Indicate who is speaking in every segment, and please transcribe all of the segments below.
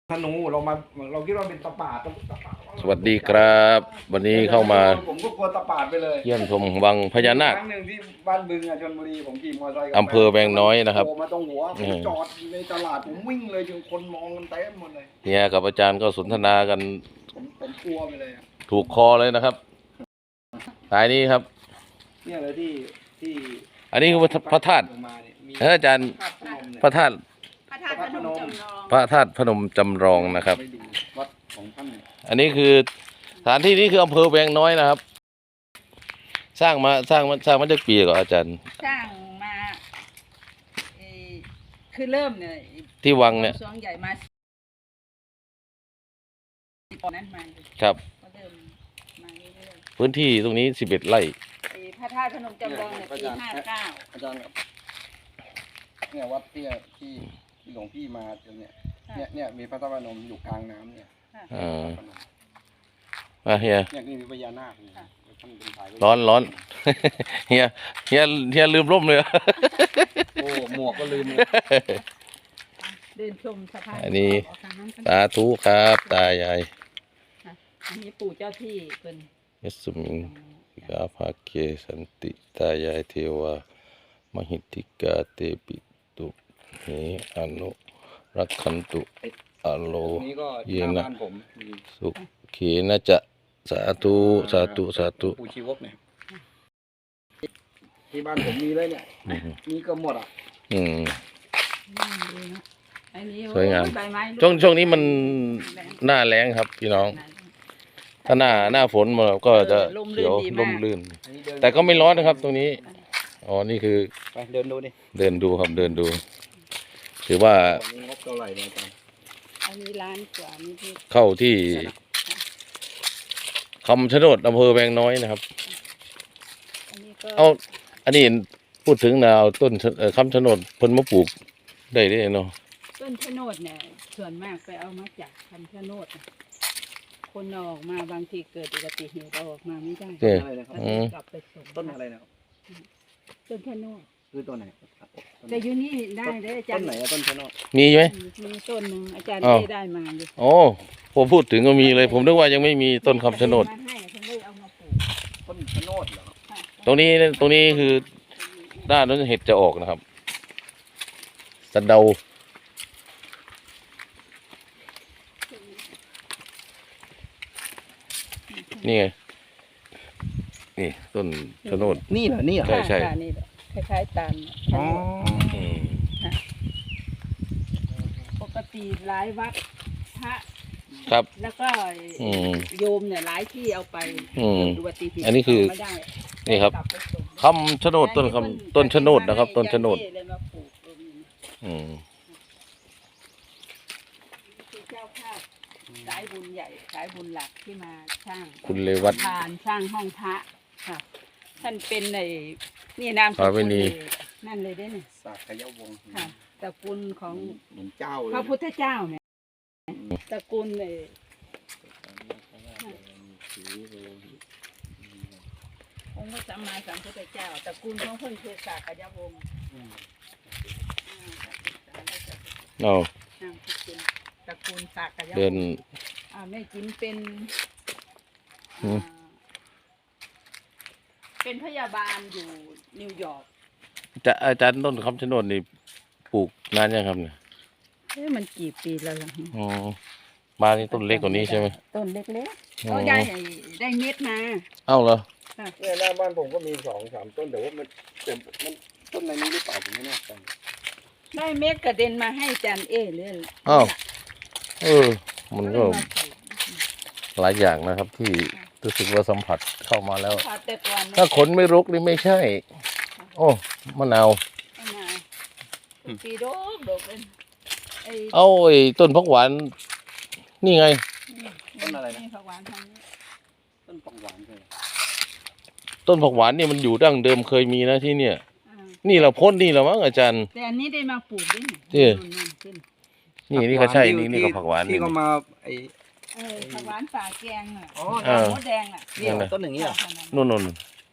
Speaker 1: ธนูเราคิดว่าเป็นตะปาด
Speaker 2: สวัสดีครับวันนี้เข้ามา
Speaker 1: ผมก็กลัวตะปาดไปเลย
Speaker 2: เยี่ยมชมวังพญานาค
Speaker 1: ครั้งหนึ่งที่บ้านบึงชลบุรีผมขี่มอเตอร์ไซค์
Speaker 2: อำเภอแวงน้อยนะครับ
Speaker 1: มาตรงหัวผมจอดในตลาดผมวิ่งเลยจนคนมองกันเต็มหมดเลย
Speaker 2: เนี่ยกับอาจารย์ก็สนทนากัน
Speaker 1: ผมกลัวไปเลย
Speaker 2: ถูกคอเลยนะครับสายนี้ครับ
Speaker 1: เนี่ยเลยที่
Speaker 2: อันนี้คือพระธาตุอาจารย์พระธาตุพระธาตุพนมจำลองนะครับ
Speaker 1: วัดของท่าน
Speaker 2: อันนี้คือสถานที่นี้คืออำเภอแวงน้อยนะครับสร้างมาจากปีก่อนอาจารย์
Speaker 3: สร้างมาคือเริ่มเนี่ย
Speaker 2: ที่วังเนี่ย
Speaker 3: สวงใหญ่มาตอนนั้นมา
Speaker 2: ครับ
Speaker 3: ก็เริ่มมาเรื่อย
Speaker 2: ๆพื้นที่ตรงนี้11 ไร่
Speaker 3: พระธาตุพนมจำลองเนี่ยปี59
Speaker 1: อาจารย์ครับเนี่ยวัดที่หลวงพี่มาเนี่ยมีพระธาตุพนมอยู่กลางน้ำเนี่ย
Speaker 2: เฮีย
Speaker 1: เนี่ยนี่มีพญานาค
Speaker 2: ร้อน เฮียลืมร่มเลย
Speaker 1: โอ้หมวกก็ลืมเลย
Speaker 3: เดินชมสะพาน
Speaker 2: อันนี้สาธุครับตายาย
Speaker 3: อันนี้ปู่เจ้าที่เป็น
Speaker 2: ยสุมิงกาภาเกสันติตายายเทวามหิติกาเตปิตุเหอนุรักขันตุอโลเยนะสุเขนะจะสาธุ
Speaker 1: ปู่ชีวกเนี่ยที่บ้านผมมีเลยเนี่ยมีก็หมด
Speaker 2: สวยงามช่วงนี้มันหน้าแล้งครับพี่น้องถ้าหน้าฝนมันก็จะเขียวร่มรื่นแต่ก็ไม่ร้อนนะครับตรงนี้อ๋อนี่คือ
Speaker 1: ไปเดินดูดิ
Speaker 2: เดินดูครับเดินดูถือว่า
Speaker 1: งบเท่าไหร่เนี่ยอาจารย์
Speaker 3: อันนี้ล้านกว่านี่
Speaker 2: เข้าที่คำชะโนดอำเภอแวงน้อยนะครับอันนี้พูดถึงเอาต้นคำชะโนดเพิ่นมาปลูกได้เนาะ
Speaker 3: ต้นชะโนดเนี่ยส่วนมากไปเอามาจากคำชะโนดคนออกมาบางทีเกิดอุบัติเหตุออกมาไม่ได้กลับไปส่ง
Speaker 1: ต้นอะไรนะครับ
Speaker 3: ต้นชะโนด
Speaker 1: คือต้นไหน
Speaker 3: แต่อยู่นี่ได้เลยอาจารย์
Speaker 1: ต้นไหนต้นชะโนด
Speaker 2: มีไหม
Speaker 3: มีต้นหนึ่งอาจารย์ได้มาอยู่
Speaker 2: โอ้ผมพูดถึงก็มีเลยผมนึกว่ายังไม่มีต้นคำชะโนด
Speaker 1: ต้นชะโนดเหรอ
Speaker 2: ตรงนี้คือด้านนั้นเห็ดจะออกนะครับสะเดานี่ไงนี่ต้นชะโนด
Speaker 1: นี่เหรอ
Speaker 2: ใช่
Speaker 3: นี่คล้ายๆตาลปกติหลายวัดพระ
Speaker 2: ครับ
Speaker 3: แล้วก็โยมเนี่ยหลายที่เอาไปดูปฏิทิน
Speaker 2: อันนี้คือนี่ครับคำชะโนดต้นชะโนดนะครับต้นชะโนด
Speaker 3: เจ้าภาพสายบุญใหญ่สายบุญหลักที่มาช่าง
Speaker 2: คุณเลวัต
Speaker 3: ช่างห้องพระค่ะท่านเป็นในนี่นามสกุลนั่นเลยได้เนี่ย
Speaker 1: สักยวงศ์
Speaker 3: ค่ะตระกูลของ
Speaker 1: เจ้า
Speaker 3: พระพุทธเจ้าเนี่ยตระกูลเลยองค์พระสัมมาสัมพุทธเจ้าตระกูลของเพิ่นคือสักยวงศ์ตระกูลสักยวงศ์แม่จิ๋มเป็นพยาบาลอยู่นิวยอร์ก
Speaker 2: อาจารย์ต้นคำชะโนดนี่ปลูกนานยังครับเนี่ย
Speaker 3: มันกี่ปีแล้วล่ะ
Speaker 2: มานี่ต้นเล็กกว่านี้ใช่ไหม
Speaker 3: ต้นเล็กๆเขาได้เม็ดมา
Speaker 2: เอ้าเหรอ
Speaker 1: เนี่ยหน้าบ้านผมก็มี2-3ต้นแต่ว่ามันต้นในนี้หรือเปล่าผมไม่แน่ใจ
Speaker 3: ได้เม็ดกระเด็นมาให้อาจารย์เลย
Speaker 2: อ้าวมันก็หลายอย่างนะครับที่รู้สึกว่าสัมผัสเข้ามาแล้วถ้าขนไม่รกนี่ไม่ใช่โอ้มะนาว
Speaker 3: ปีโดกเป็น
Speaker 2: เอาไอ้ต้นผักหวานนี่ไง
Speaker 1: ต้นอะไรนะ
Speaker 3: ผักหวานทางนี้
Speaker 1: ต้นผักหวานใช่
Speaker 2: ต้นผักหวานนี่มันอยู่ดั้งเดิมเคยมีนะที่เนี่ยนี่เราพ้นนี่แล้วมั้งอาจารย์
Speaker 3: แต่อันนี้ได้มาปลูกด้วย
Speaker 2: นี่ก็ใช่นี่ก็ผักหวาน
Speaker 1: ที่เขามา
Speaker 3: ผักหวานป่าแกงอ่ะมดแดงอ่ะ
Speaker 1: นี่ต้นอย่างนี้เหรอ
Speaker 2: นู่น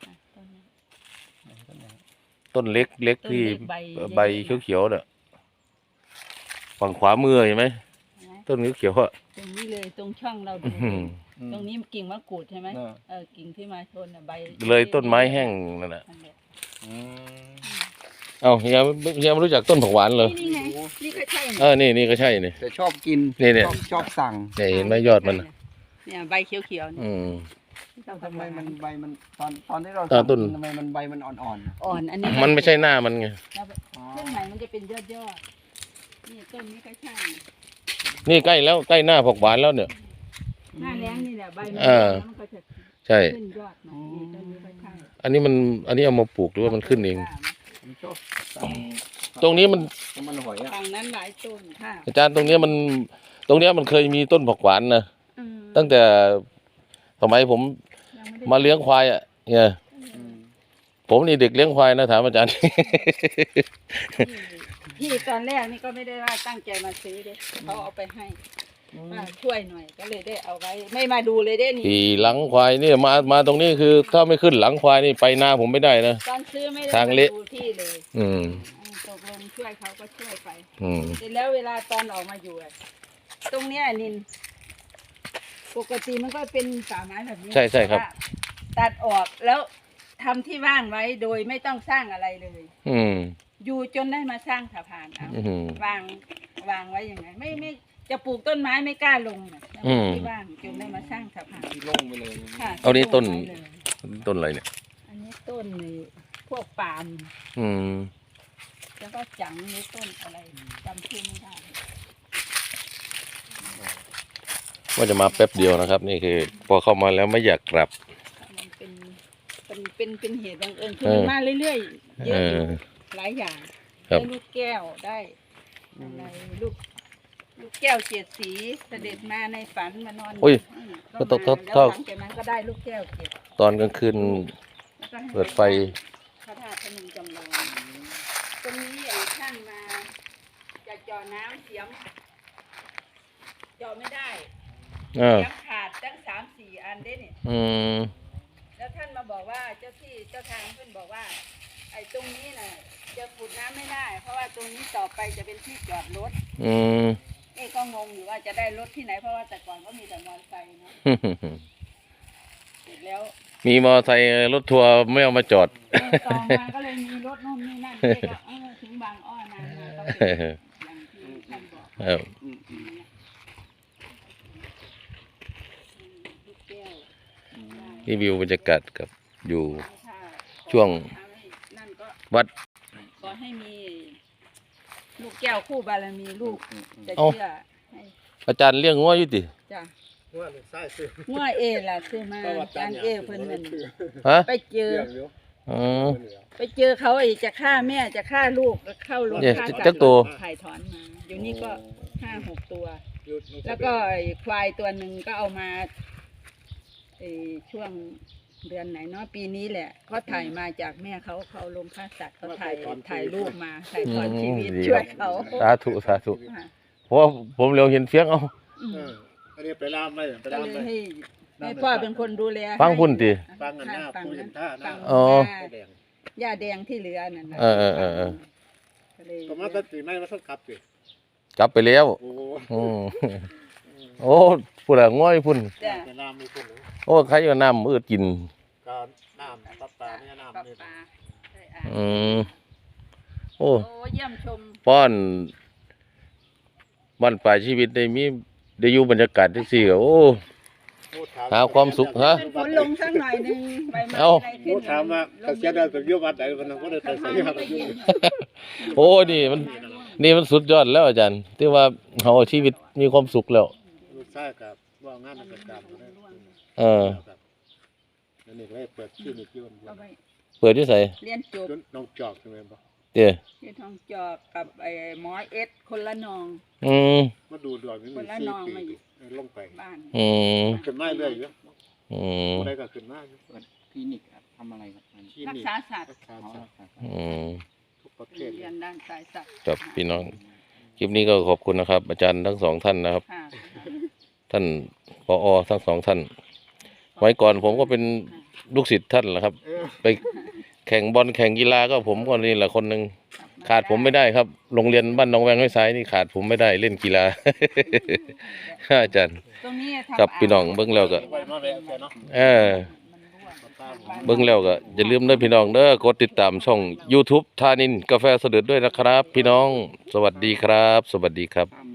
Speaker 2: ต้นเล็กที่ใบเขียวๆเนี่ยฝั่งขวามือเห็นไหมต้นเขียวๆอ่ะ
Speaker 3: ตรงนี้เลยตรงช่องเราดู
Speaker 2: อืม
Speaker 3: ตรงนี้กิ่งมะกรูดใช่ไหม
Speaker 1: น่ะ
Speaker 3: กิ่งที่มาชนใบ
Speaker 2: เลยต้นไม้แห้งนั่นแหละ
Speaker 3: นั่นแหละ
Speaker 1: อืม
Speaker 2: เอ้าเฮียไม่รู้จักต้นผักหวานเหรอ
Speaker 3: นี่ไงนี่ก็ใช่
Speaker 2: นี่ก็ใช่นี่
Speaker 1: แต่ชอบกิน
Speaker 2: เนี่ย
Speaker 1: ชอบสั่ง
Speaker 2: เนี่ยเห็นไหมยอดมันน่ะ
Speaker 3: เนี่ยใบเขียวๆนี่
Speaker 2: อืม
Speaker 1: ทำไมมันใบมันตอนที่เรา
Speaker 2: ต้น
Speaker 1: ทำไมมันใบมันอ่อน
Speaker 3: อ่อนอันนี้
Speaker 2: มันไม่ใช่หน้ามันไง
Speaker 3: แล้ว
Speaker 1: ๆอ๋อ
Speaker 3: เครื่องไหนมันจะเป็นยอดนี่ต้นนี้ก็ใช่
Speaker 2: นี่ใกล้แล้วใกล้หน้าผักหวานแล้วเนี่ย
Speaker 3: หน้าแล้งนี่แหละใบมัน
Speaker 2: อ่า
Speaker 3: แล้วมันก็จะ
Speaker 2: ใช่
Speaker 3: ขึ้นยอดมานี่ต้นนี้ก็ใช่
Speaker 2: อันนี้เอามาปลูกหรือว่ามันขึ้นเอง
Speaker 1: ผมชอบสั่ง
Speaker 2: ตรงนี้มัน
Speaker 1: มันหอยอ่ะ
Speaker 3: ฝั่งนั้นหลายต้นค่ะ
Speaker 2: อาจารย์ตรงเนี้ยมันเคยมีต้นผักหวานนะ
Speaker 3: อืม
Speaker 2: ตั้งแต่สมัยผม
Speaker 3: ยังไได้
Speaker 2: มาเลี้ยงควายอ่ะเนี่ย
Speaker 1: อืม
Speaker 2: ผมนี่เด็กเลี้ยงควายนะถามอาจารย์
Speaker 3: พี่ตอนแรกนี่ก็ไม่ได้ว่าตั้งใจมาซื้อเด้เขาเอาไปให้ว่าช่วยหน่อยก็เลยได้เอาไว้ ไม่มาดูเลยเด้นี่
Speaker 2: ขี่หลังควายเนี่ยมาตรงนี้คือ ถ้าไม่ขึ้นหลังควายนี่ไปนาผมไม่ได้นะ
Speaker 3: ตอนซื้อไม่ได้
Speaker 2: ทาง
Speaker 3: มา
Speaker 2: เละ
Speaker 3: ดูที่เลย
Speaker 2: อืม
Speaker 3: ตกลงช่วยเขาก็ช่วยไป
Speaker 2: อืม
Speaker 3: เสร็จแล้วเวลาตอนออกมาอยู่อะตรงเนี้ยนินปกติมันก็เป็นป่าไม้แบบนี้
Speaker 2: ใช่ครับ
Speaker 3: แต่ว่าตัดออกแล้วทำที่ว่างไว้โดยไม่ต้องสร้างอะไรเลย
Speaker 2: อืม
Speaker 3: อยู่จนได้มาสร้างสะพานเอา
Speaker 2: อืม
Speaker 3: วางไว้อย่างไงไม่จะปลูกต้นไม้ไม่กล้าลงนะ
Speaker 2: อืม
Speaker 3: ที่ว่างจนได้มาสร้างสะพาน
Speaker 1: ที่โล่งไปเลย
Speaker 3: ค่ะ
Speaker 2: เอานี่ต้น
Speaker 3: ไว้เลย
Speaker 2: ต้นอะไรเนี่ย
Speaker 3: อันนี้ต้นนี่พวกปาล์ม
Speaker 2: อืม
Speaker 3: แล้วก็จังนี่ต้นอะไรจำชื่อไม่ได้
Speaker 2: ว่าจะมาแป๊บเดียวนะครับ นี่คือ พอเข้ามาแล้วไม่อยากกลับ
Speaker 3: มันเป็นเหตุบังเอิญคือมันมาเรื่อยๆเย
Speaker 2: เอ
Speaker 3: อะอยู่
Speaker 2: อ
Speaker 3: หลายอย่าง
Speaker 2: ครับ
Speaker 3: ได้ลูกแก้วได้อะไรลูกแก้วเจ็ดสีเสด็จมาในฝันมานอน
Speaker 2: อุ้ย
Speaker 3: ก็
Speaker 2: ก็
Speaker 3: มา
Speaker 2: ต้อง
Speaker 3: แล้วหลังจากนั้นก็ได้ลูกแก้วเจ็ด
Speaker 2: ตอนกลางคืน
Speaker 3: แล้วก็ให้
Speaker 2: เปิดไฟ
Speaker 3: พระธาตุพนมจำลองตรงนี้ไอ้ช่างมาจะเจาะน้ำเสียมเจาะไม่ได้
Speaker 2: เออ
Speaker 3: เสียมขาดตั้ง3-4 อันได้เนี่ย
Speaker 2: อืม
Speaker 3: แล้วท่านมาบอกว่าเจ้าที่เจ้าทางเพื่อนบอกว่า ไอ้ตรงนี้น่ะจะขุดน้ำไม่ได้ เพราะว่าตรงนี้ต่อไปจะเป็นที่จอดรถ
Speaker 2: อืม
Speaker 3: เอ้ก็งงอยู่ว่าจะได้รถที่ไหนเพราะว่าแต่ก่อนก็มีแต่มอเตอร์ไซค์เนาะเสร็จแล้ว
Speaker 2: มีมอเตอร์ไซค์รถทัวร์ไม่เอามาจอด
Speaker 3: ต่อมาก็เลยมีรถนู่นนี่นั่นเอ้ก็ถึงบางอ้อนานมาก็เป็นอย่างที่ท่านบอก
Speaker 2: ครับ
Speaker 1: อืมอืม
Speaker 3: ลูกแก้ว
Speaker 2: นี่วิวบรรยากาศกับอยู่
Speaker 3: ถ้า
Speaker 2: ช่วง
Speaker 3: นั่นก็
Speaker 2: วัด
Speaker 3: ขอให้มีลูกแก้วคู่บารมีลูกจะ
Speaker 2: เอ้า
Speaker 3: เชื่อให้
Speaker 2: อาจารย์เลี้ยงงัวอยู่ติ
Speaker 3: จ้ะ
Speaker 1: ว่าลูกไส้ซื้อ
Speaker 3: งัวเอล่ะซื้อมาจานเอเพิ่นนั่น
Speaker 2: ฮะ
Speaker 3: ไปเจอ
Speaker 1: เรื่องเดียว
Speaker 2: อ๋อ
Speaker 3: ไปเจอเขาไอ้จะฆ่าแม่จะฆ่าลูกแล้วเข้าโรง
Speaker 2: เนี่ย
Speaker 3: ฆ่า
Speaker 2: จักตัว
Speaker 3: ถ่ายถอนมาอยู่นี่ก็5-6 ตัว
Speaker 1: หยุด
Speaker 3: แล้วก็ไอ้ควายตัวหนึ่งก็เอามาไอ้ช่วงเดือนไหนเนาะปีนี้แหละเขาถ่ายมาจากแม่เขาลงฆ่าสัตว์เขาถ่ายรูปมาถ่ายถอนชีวิต
Speaker 2: ดี
Speaker 3: ช่วย
Speaker 2: ครับ
Speaker 3: เขา
Speaker 2: สาธุสาธุ
Speaker 3: ค่ะ
Speaker 2: เพราะว่าผมเร็วเห็นเฟียงเอา
Speaker 3: อืม
Speaker 1: อันนี้ไปล่ามไป
Speaker 3: ก็
Speaker 1: ล่าม
Speaker 3: เล
Speaker 1: ไป
Speaker 3: ยให้พ่อเป็นคนดูแล
Speaker 2: ฟังพุ่นติ
Speaker 1: ฟังอันหน้า
Speaker 3: ฟัง
Speaker 1: ผู้เห็
Speaker 3: นั้น
Speaker 1: นท่าหน้า
Speaker 3: ฟัง
Speaker 2: อ๋อ
Speaker 3: หน้า
Speaker 1: แดง
Speaker 3: หญ้าแดงที่เหลือนั่นนะ
Speaker 2: เออ
Speaker 3: ก็เลย
Speaker 1: ก็มาตัดสีไม้มาสักขับสิ
Speaker 2: กลับไปแล้ว
Speaker 1: โอ้โห
Speaker 2: อืมโอ้พุ่นละง่อยพุ่น
Speaker 3: จ้ะ
Speaker 1: ไปล่ามมีคนหนึ่ง
Speaker 2: โอ้ใครก็น้ำมืดกิน
Speaker 1: การน้ำปลาเนี่ย
Speaker 3: ปลา
Speaker 1: น้ำ
Speaker 3: ป
Speaker 1: นี่
Speaker 3: ลาใช่อ่ะ
Speaker 2: อืมโอ้
Speaker 3: โอ้เยี่ยมชม
Speaker 2: ป้อนบ้านปลายชีวิตได้อยู่บรรยากาศที่สี่โอ้ หาความสุขฮะ
Speaker 3: เป็นฝนลงสักหน่อยหนึงใบไม้
Speaker 2: เอ้า
Speaker 3: อะไรขึ้
Speaker 1: ผู้
Speaker 3: น
Speaker 1: ถามว่าเขาเสียดายกับยุวัดไหนวันนั้นก็ได้ไปเสียกับยุ
Speaker 2: โอ้นี่มันสุดยอดแล้วอาจารย์ที่ว่าเขาชีวิตมีความสุขแล้ว
Speaker 1: ลูกชายกับว่างานราชการมาได้
Speaker 2: เออ
Speaker 1: แล้วนี่ก็ได้เปิดคลินิกยุ่น
Speaker 3: ก็ไป
Speaker 2: เปิดที่ใส่
Speaker 3: เรียนจบ
Speaker 1: น้องจอกใช่ไหมบ่
Speaker 2: เดี๋ยว
Speaker 3: ที่ทองจอกกับไอ้หมอเอสคนละนอง
Speaker 2: อืม
Speaker 1: มาดูดวงนี่มี4 ปีลงไป
Speaker 3: บ้าน
Speaker 2: อืม
Speaker 1: ขึ้นมาเรื่อยอยู่
Speaker 2: อืม
Speaker 1: อะไรก็ขึ้นมาอยู่
Speaker 4: คลินิกทำอะไรครับ
Speaker 1: คลิ
Speaker 3: รัก
Speaker 1: นิก
Speaker 3: ษาสัตว์
Speaker 1: รักษาสัตว์
Speaker 2: อืม
Speaker 1: ทุกประเภท
Speaker 3: เรียนด้านสายสัตว์
Speaker 2: กับพี่น้องคลิปนี้ก็ขอบคุณนะครับ อาจารย์ทั้งสองท่านนะครับ
Speaker 3: ค่ะ
Speaker 2: ท่านผอทั้งสองท่านไว้ก่อนผมก็เป็นลูกศิษย์ท่านแหละครับ ไปแข่งบอลแข่งกีฬาก็ผมก็นี่แหละคนหนึ่งขาดผมไม่ได้ครับโรงเรียนบ้านหนองแวงห้วยสายนี่ขาดผมไม่ได้เล่นกีฬา อาจารย์
Speaker 3: ตรงนี้ทำ
Speaker 2: ครับพี่น้องเบิ่งแล้วก็เบิ่งแล้วก็อย่าลืมเด้อพี่น้องเด้อกดติดตามช่อง YouTube ธานินกาแฟเสด็จด้วยนะครับ พี่น้องสวัสดีครับ สวัสดีครับ